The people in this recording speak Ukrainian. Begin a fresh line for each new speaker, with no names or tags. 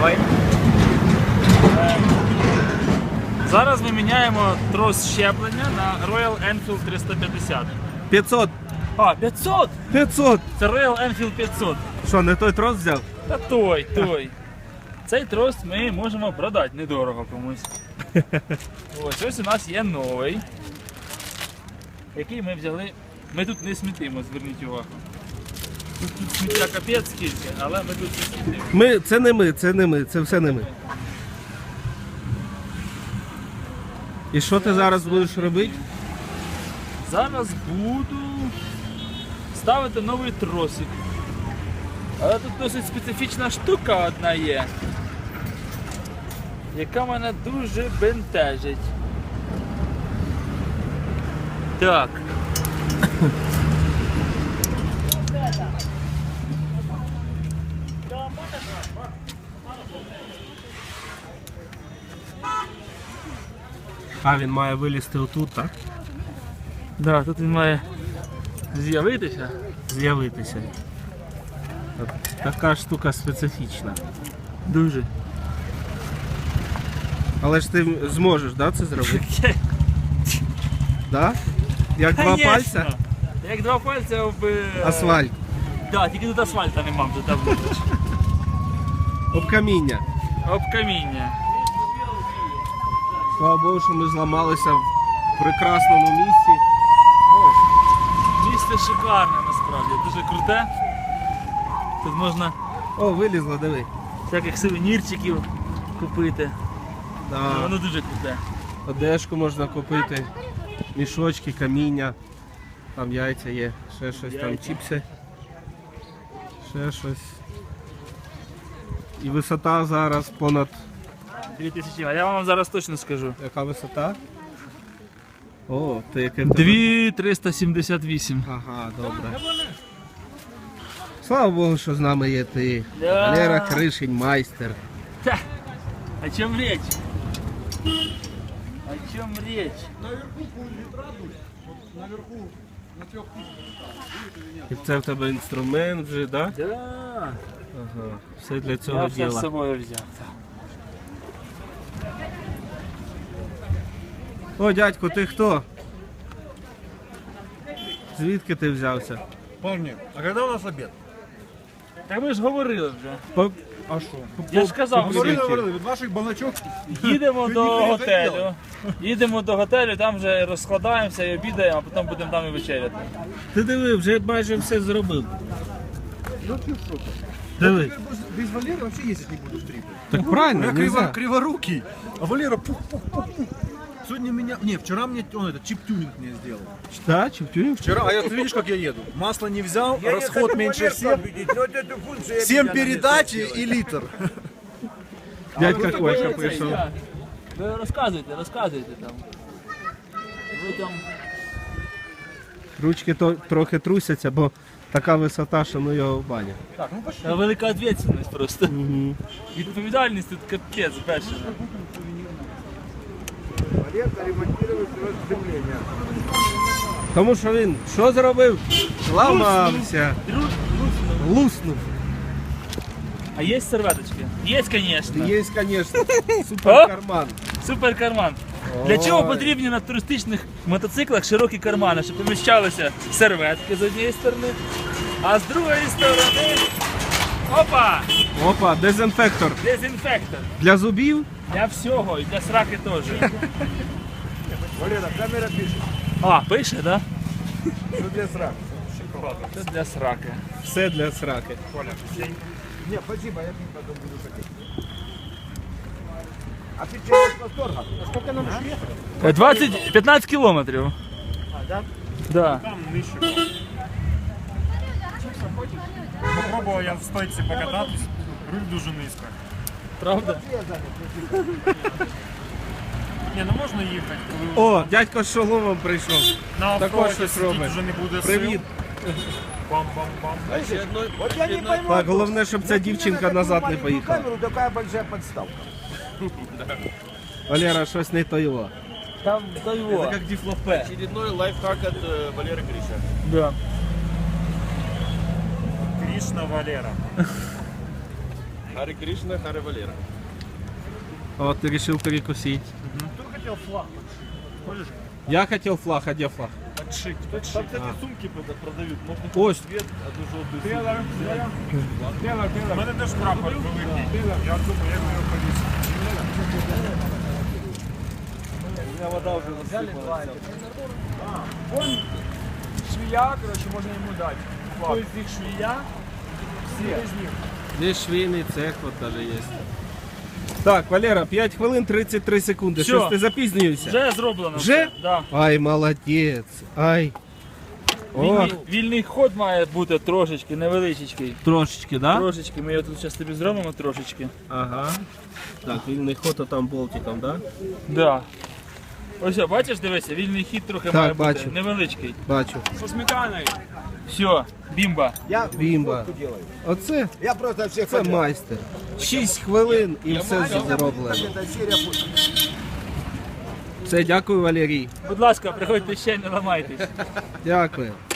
Давай.
Зараз ми міняємо трос щеплення на Royal Enfield 350.
500.
А, 500!
500.
Це Royal Enfield 500.
Що, не той трос взяв?
Та той. Цей трос ми можемо продати недорого комусь. Ось у нас є новий, який ми взяли. Ми тут не смітимо, зверніть увагу. Тут сміття капець скільки, але ми тут не смітимо.
Це не ми, це все не ми. І що ти зараз будеш робити?
Зараз буду ставити новий тросик. Але тут досить специфічна штука одна є, яка мене дуже бентежить. Так.
А, він має вилізти отут, так?
Да, тут він має з'явитися.
З'явитися. От така штука специфічна.
Дуже.
Але ж ти зможеш, да, це зробити? Да? Як два пальця?
Як два пальця об
Асфальт.
Да, тільки тут асфальта нема вже там.
Об каміння.
Об каміння.
Слава Богу, що ми зламалися в прекрасному місці.
Місце шикарне насправді, дуже круте. Тут можна
О, вилізло, диви.
всяких сувенірчиків купити.
Да.
Воно дуже круте.
Одежку можна купити, мішочки, каміння, там яйця є, ще щось, там
Яйця.
чіпси, ще щось. І висота зараз понад...
2000, а я вам зараз точно скажу.
Яка висота? О, ти яке...
2378.
Ага, добре. Слава Богу, що з нами є ти.
Да.
Валера Кришень, майстер.
Та, о чем речь? О чем речь?
І це в тебе інструмент вже, да?
Да.
Ага, все для
Я
цього
все з
діла.
собою взяв.
О, дядько, ти хто? Звідки ти взявся?
Парни, а когда у нас обед?
Так ми ж говорили вже.
А что?
Я ж казав,
Говорили, від ваших балачок.
їдемо до
не
готелю. Їдемо до готелю, там вже розкладаємося і обідаємо, а потім будемо там і вечеряти.
Ти диви, вже майже все зробив.
Ну ты что?
Диви.
Без Валеры вообще ездить не буду в трипы.
Так правильно,
Я
нельзя.
криворукий, а Валера пух-пух-пух-пух. Сегодня меня... Не, вчера мне он этот чип-тюнинг мне сделал.
Да, чип-тюнинг?
Вчера, а ты видишь, как я еду? Масло не взял, расход меньше всех. 7 передач и литр.
Дядька
Ну,
Колька
це
прийшов.
я. Ви розказуйте там. Ви там...
Ручки трохи трусяться, бо така висота, що ну його в баню.
Так, ну пошли.
Та велика відповідальність просто.
Угу.
Відповідальність тут капець бешена.
Тому що він що зробив? Ламався. Луснув.
А є серветочки? Є, звісно.
Є, звісно, суперкарман.
Супер карман. Для чого потрібні на туристичних мотоциклах широкі кармани, щоб поміщалися серветки з однієї сторони, а з другої сторони опа!
Опа, дезінфектор.
Дезінфектор.
Для зубів?
Для всього, і для сраки теж.
Валера, камера пишет.
А, пише, так? Да?
Что для срак?
Це для сраки.
Все для сраки.
Не, спасибо, я потом буду хотеть. А ты чего с восторга? А сколько нам еще ехать?
15 кілометрів.
А, да?
Да.
Там нижче. Попробував я в стойці покататись, руль дуже низько.
Правда?
Ні, ну можна їхати, коли
О, дядько з шоломом прийшов.
на
також
автоматі
щось
сидіти
робить.
вже не буде
Привіт.
сил. Бам-бам-бам.
Вот я не пойму.
Так, головне, щоб ця дівчинка назад не поїхала.
Камеру, такая большая подставка.
Валера, щось не то його.
Там до його.
Як діфлопе.
Очередной лайфхак от Валеры Гриша.
Да.
Кришна Валера.
Харе Кришна, Харе Валера.
От ти вирішив перекусити.
Кто хотел флаг? Хочешь?
Я хотів флаг, а де флаг?
Подшить. Там, кстати, сумки продают. Можно
Ось.
цвет, а то желтый. У мене теж прапор великий. Я думаю, як його повісити.
Вон швея, короче, можно ему дать. Кто из них швея? Все из них.
Здесь швейний цех от даже є. Так, Валера, 5 хвилин 33 секунди.
Всьо.
Щось ти запізнюєшся?
Вже зроблено.
Вже?
Да.
Ай, молодець. Ай. О,
Вільний ход має бути трошечки, невеличкий.
трошечки, да?
Трошечки, ми його тут зараз тобі зробимо трошечки.
Ага. Так, вільний ход, а там болтиком, да?
Да. Ось, бачиш, дивися, вільний хід трохи
Так,
має бути.
бачу.
Невеличкий.
Бачу.
Со сметаной.
Все, бімба.
Бімба. Оце?
Я просто всех
Це майстер. 6 хвилин і все зроблено. Все, дякую, Валерій.
Будь ласка, приходьте ще, не ламайтесь.
Дякую.